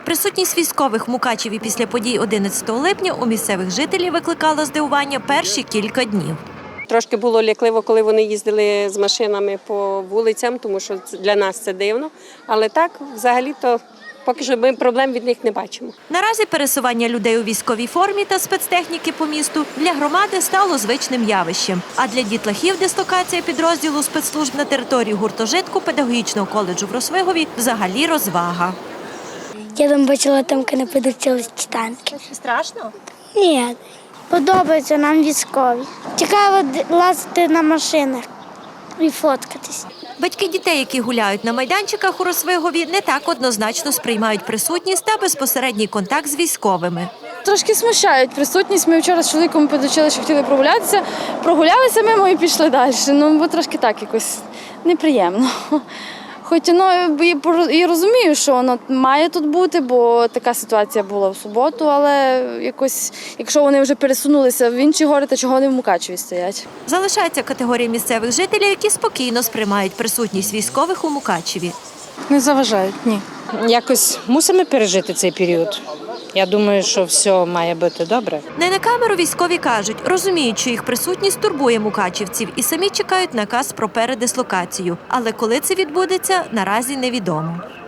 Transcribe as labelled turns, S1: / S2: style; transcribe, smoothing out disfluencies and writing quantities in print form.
S1: Присутність військових в Мукачеві після подій 11 липня у місцевих жителів викликала здивування перші кілька днів.
S2: Трошки було лякливо, коли вони їздили з машинами по вулицям, тому що для нас це дивно. Але так, взагалі-то, поки що ми проблем від них не бачимо.
S1: Наразі пересування людей у військовій формі та спецтехніки по місту для громади стало звичним явищем. А для дітлахів дислокація підрозділу спецслужб на території гуртожитку педагогічного коледжу в Росвигові взагалі розвага.
S3: Я там бачила, там не подивилися танки.
S1: Страшно?
S3: Ні. Подобається нам військові. Цікаво лазити на машинах і фоткатись.
S1: Батьки дітей, які гуляють на майданчиках у Росвигові, не так однозначно сприймають присутність та безпосередній контакт з військовими.
S4: Трошки смущають присутність. Ми вчора з чоловіком підучили, що хотіли прогулятися. Прогулялися мимо і пішли далі. Бо трошки так якось неприємно. Хоч і розумію, що воно має тут бути, бо така ситуація була в суботу, але якось, якщо вони вже пересунулися в інші гори, то чого вони в Мукачеві стоять?
S1: Залишається категорія місцевих жителів, які спокійно сприймають присутність військових у Мукачеві.
S4: Не заважають, ні.
S5: Якось мусимо пережити цей період. Я думаю, що все має бути добре.
S1: Не на камеру військові кажуть, розуміють, що їх присутність турбує мукачівців і самі чекають наказ про передислокацію. Але коли це відбудеться, наразі невідомо.